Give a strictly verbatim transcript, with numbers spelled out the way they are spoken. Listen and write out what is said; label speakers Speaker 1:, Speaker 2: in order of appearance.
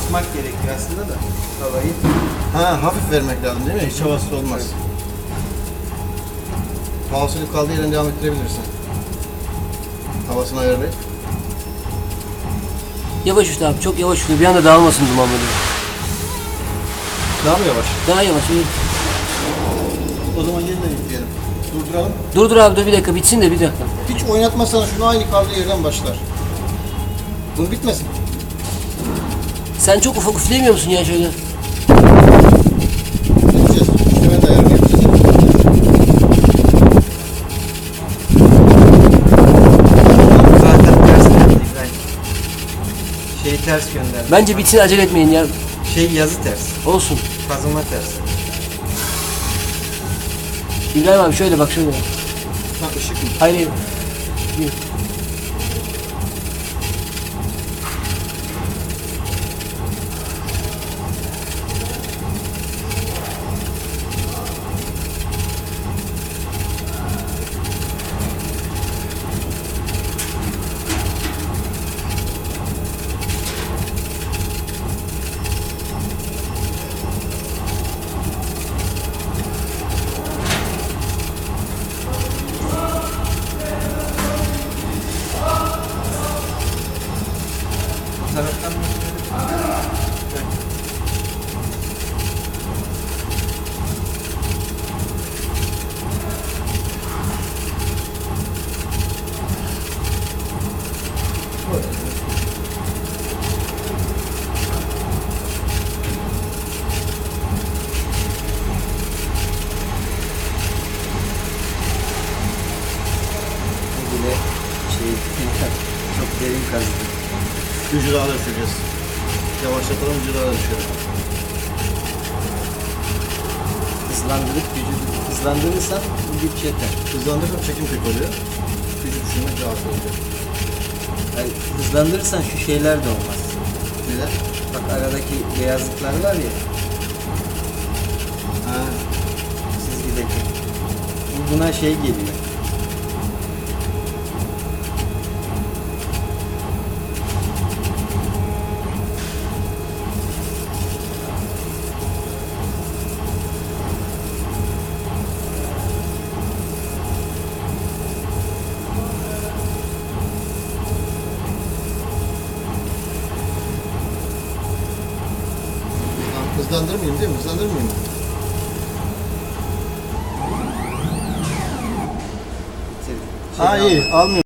Speaker 1: Açmak gerekiyor aslında da havayı.
Speaker 2: Ha, hafif vermek lazım değil mi? Hiç havasız olmaz. Mouse'unu kaldığı yerden devam ettirebilirsin. Havasını ayarlayıp.
Speaker 3: Yavaş üstü abi, çok yavaş üstü. Bir anda dağılmasın duman böyle.
Speaker 2: Daha mı yavaş?
Speaker 3: Daha yavaş. iyi.
Speaker 2: O zaman yeniden yükleyelim. Durduralım.
Speaker 3: Dur dur abi, dur bir dakika, bitsin de bir dakika.
Speaker 2: Hiç oynatmazsan şunu aynı kaldığı yerden başlar. Bunu bitmesin.
Speaker 3: Sen çok ufak üfleyemiyor musun ya şöyle?
Speaker 2: Gideceğiz. İşte ben de ayarını yapacağız.
Speaker 1: Zaten ters geldi İbrahim. Şeyi ters gönderdi.
Speaker 3: Bence bitsin, acele etmeyin ya.
Speaker 1: Şey yazı ters.
Speaker 3: Olsun.
Speaker 1: Kazıma ters.
Speaker 3: İbrahim abi şöyle bak, şöyle bak.
Speaker 2: Ha, ışık mı?
Speaker 3: Hayır hayır. Yürü.
Speaker 1: Taraftan bile şey çok derin kazıdı.
Speaker 2: Gücü daha da düşüreceğiz. Yavaşlatalım, gücü daha da düşürelim.
Speaker 1: Hızlandırıp gücü hızlandırırsan bu güç yeter.
Speaker 2: Hızlandırırsak çekim pek oluyor. Gücü düşürmek daha az oluyor.
Speaker 1: Yani hızlandırırsan şu şeyler de olmaz.
Speaker 2: Neler?
Speaker 1: Bak aradaki beyazlıklar var ya,
Speaker 2: Ha.
Speaker 1: çizgideki. Bu buna şey geliyor.
Speaker 2: Hızlandırmayayım değil mi? Hızlandırmayayım mı?
Speaker 1: Şey
Speaker 2: Ha iyi, almıyorum.